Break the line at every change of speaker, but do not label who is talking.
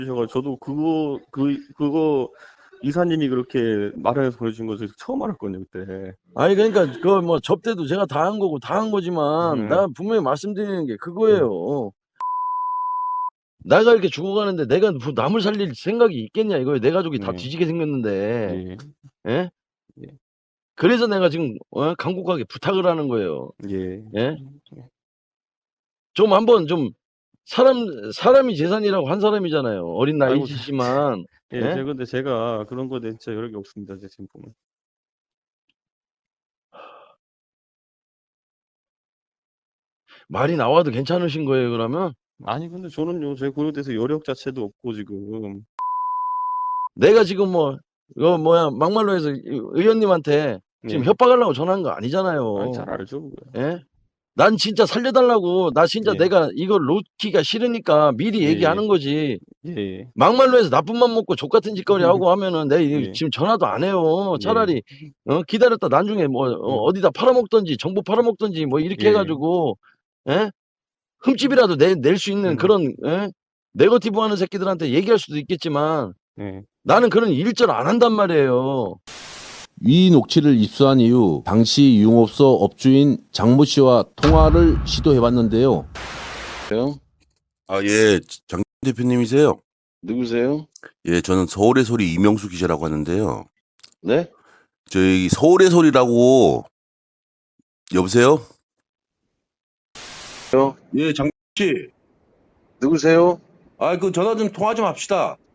저도 그거 이사님이 그렇게 말해서 보내준 거 처음 알았거든요, 그때.
아니 그러니까 그 뭐 접대도 제가 다 한 거고 다 한 거지만 나 분명히 말씀드리는 게 그거예요. 내가 이렇게 죽어가는데 내가 뭐 남을 살릴 생각이 있겠냐 이거예요. 내 가족이 다 뒤지게 생겼는데.
예.
예?
예.
그래서 내가 지금 간곡하게 부탁을 하는 거예요.
예.
예? 좀 한번 좀 사람이 재산이라고 한 사람이잖아요. 어린
아이고,
나이시지만.
예,
예?
근데 제가 그런 거에 대해 진짜 여력이 없습니다, 제 지금 보면.
말이 나와도 괜찮으신 거예요, 그러면?
아니, 근데 저는요, 제 고려에 대해서 여력 자체도 없고, 지금.
내가 지금 뭐 이거 뭐야 막말로 해서 의원님한테 지금
예.
협박하려고 전화한 거 아니잖아요.
아니, 잘 알죠, 그거.
예? 난 진짜 살려달라고, 나 진짜
예.
내가 이걸 놓기가 싫으니까 미리
예.
얘기하는 거지.
예.
막말로 해서 나쁜 맘 먹고 족같은 짓거리 하고 하면은 내가
예.
지금 전화도 안 해요.
예.
차라리 기다렸다 나중에 뭐 어디다 팔아먹던지 정보 팔아먹던지 뭐 이렇게
예.
해가지고 흠집이라도 낼 수 있는 그런 네거티브 하는 새끼들한테 얘기할 수도 있겠지만
예.
나는 그런 일절 안 한단 말이에요.
이 녹취를 입수한 이후 당시 유흥업소 업주인 장모 씨와 통화를 시도해봤는데요.
아, 예, 장 대표님이세요?
누구세요?
예, 저는 서울의 소리 이명수 기자라고 하는데요.
네?
저희 서울의 소리라고, 여보세요? 예, 장 씨.
누구세요?
아, 그 전화 좀 통화 좀 합시다.